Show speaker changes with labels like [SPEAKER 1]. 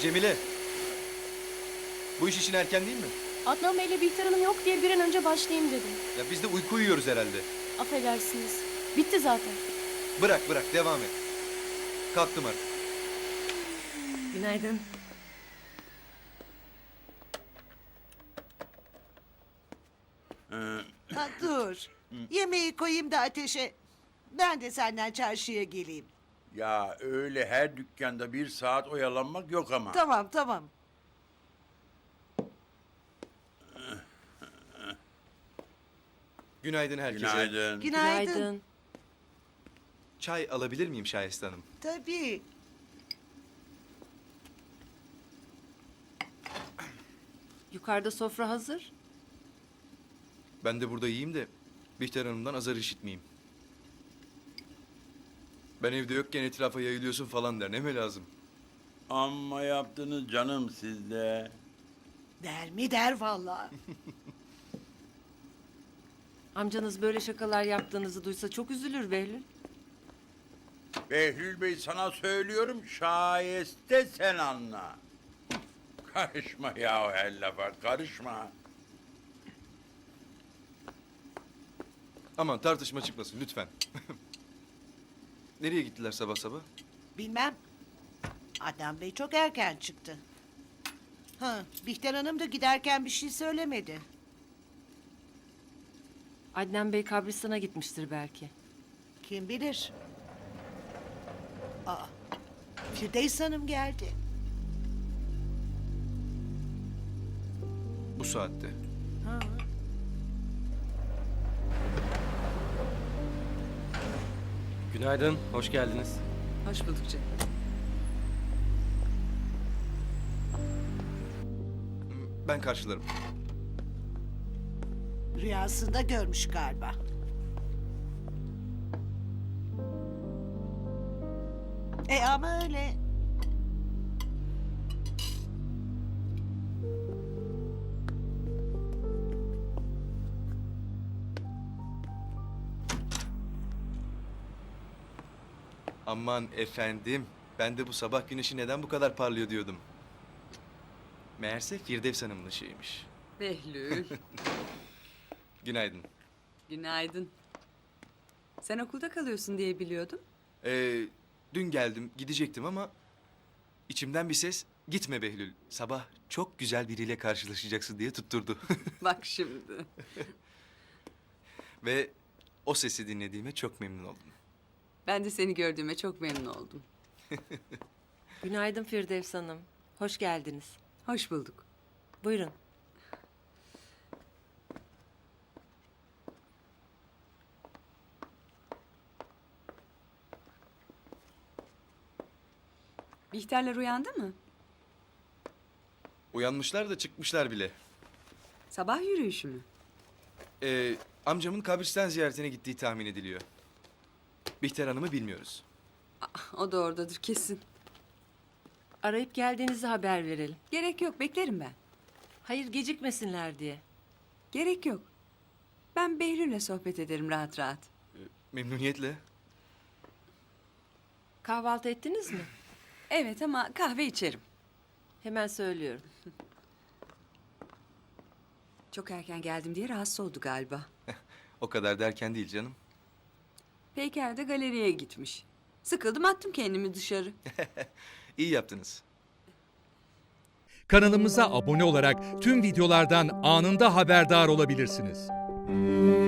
[SPEAKER 1] Cemile. Bu iş için erken değil mi?
[SPEAKER 2] Adnan Bey'le Bihter Hanım yok diye bir an önce başlayayım dedim.
[SPEAKER 1] Ya biz de uyku uyuyoruz herhalde.
[SPEAKER 2] Affedersiniz. Bitti zaten.
[SPEAKER 1] Bırak devam et. Kalktım artık.
[SPEAKER 3] Günaydın.
[SPEAKER 4] Ha, dur. Yemeği koyayım da ateşe. Ben de senden çarşıya geleyim.
[SPEAKER 5] Ya öyle her dükkanda bir saat oyalanmak yok ama.
[SPEAKER 4] Tamam tamam.
[SPEAKER 1] Günaydın herkese.
[SPEAKER 5] Günaydın.
[SPEAKER 4] Günaydın.
[SPEAKER 1] Çay alabilir miyim Şahiste Hanım?
[SPEAKER 4] Tabii.
[SPEAKER 3] Yukarıda sofra hazır.
[SPEAKER 1] Ben de burada yiyeyim de Bihter Hanım'dan azar işitmeyeyim. Ben evde yokken etrafa yayılıyorsun falan der. Ne mi lazım?
[SPEAKER 5] Amma yaptınız canım sizde.
[SPEAKER 4] Der mi der vallahi.
[SPEAKER 3] Amcanız böyle şakalar yaptığınızı duysa çok üzülür Behlül.
[SPEAKER 5] Behlül Bey sana söylüyorum şayeste sen anla. Karışma ya her lafa karışma.
[SPEAKER 1] Aman tartışma çıkmasın lütfen. Nereye gittiler sabah sabah?
[SPEAKER 4] Bilmem. Adnan Bey çok erken çıktı. Ha, Bihter Hanım da giderken bir şey söylemedi.
[SPEAKER 3] Adnan Bey kabristana gitmiştir belki.
[SPEAKER 4] Kim bilir? Aa, Firdevs Hanım geldi.
[SPEAKER 1] Bu saatte.
[SPEAKER 4] Ha.
[SPEAKER 6] Günaydın, hoş geldiniz.
[SPEAKER 3] Hoş bulduk canım.
[SPEAKER 1] Ben karşılarım.
[SPEAKER 4] Rüyasında görmüş galiba. Ama öyle.
[SPEAKER 1] Aman efendim. Ben de bu sabah güneşi neden bu kadar parlıyor diyordum. Meğerse Firdevs Hanım'ın ışığıymış.
[SPEAKER 7] Behlül,
[SPEAKER 1] Günaydın.
[SPEAKER 7] günaydın. Sen okulda kalıyorsun diye biliyordum.
[SPEAKER 1] Dün geldim, gidecektim ama içimden bir ses gitme Behlül. Sabah çok güzel biriyle karşılaşacaksın diye tutturdu.
[SPEAKER 7] Bak şimdi.
[SPEAKER 1] Ve o sesi dinlediğime çok memnun oldum.
[SPEAKER 7] Ben de seni gördüğüme çok memnun oldum.
[SPEAKER 3] Günaydın Firdevs Hanım. Hoş geldiniz.
[SPEAKER 7] Hoş bulduk.
[SPEAKER 3] Buyurun.
[SPEAKER 7] Bihterler uyandı mı?
[SPEAKER 1] Uyanmışlar da çıkmışlar bile.
[SPEAKER 7] Sabah yürüyüşü mü?
[SPEAKER 1] Amcamın kabristan ziyaretine gittiği tahmin ediliyor. Bihter Hanım'ı bilmiyoruz.
[SPEAKER 7] O da oradadır kesin.
[SPEAKER 3] Arayıp geldiğinizi haber verelim.
[SPEAKER 7] Gerek yok, beklerim ben.
[SPEAKER 3] Hayır gecikmesinler diye.
[SPEAKER 7] Gerek yok. Ben Behlül'le sohbet ederim rahat rahat.
[SPEAKER 1] Memnuniyetle.
[SPEAKER 3] Kahvaltı ettiniz mi?
[SPEAKER 7] Evet ama kahve içerim.
[SPEAKER 3] Hemen söylüyorum.
[SPEAKER 7] Çok erken geldim diye rahatsız oldu galiba.
[SPEAKER 1] O kadar derken değil canım.
[SPEAKER 7] Peyker de galeriye gitmiş. Sıkıldım attım kendimi dışarı.
[SPEAKER 1] İyi yaptınız.
[SPEAKER 8] Kanalımıza abone olarak tüm videolardan anında haberdar olabilirsiniz.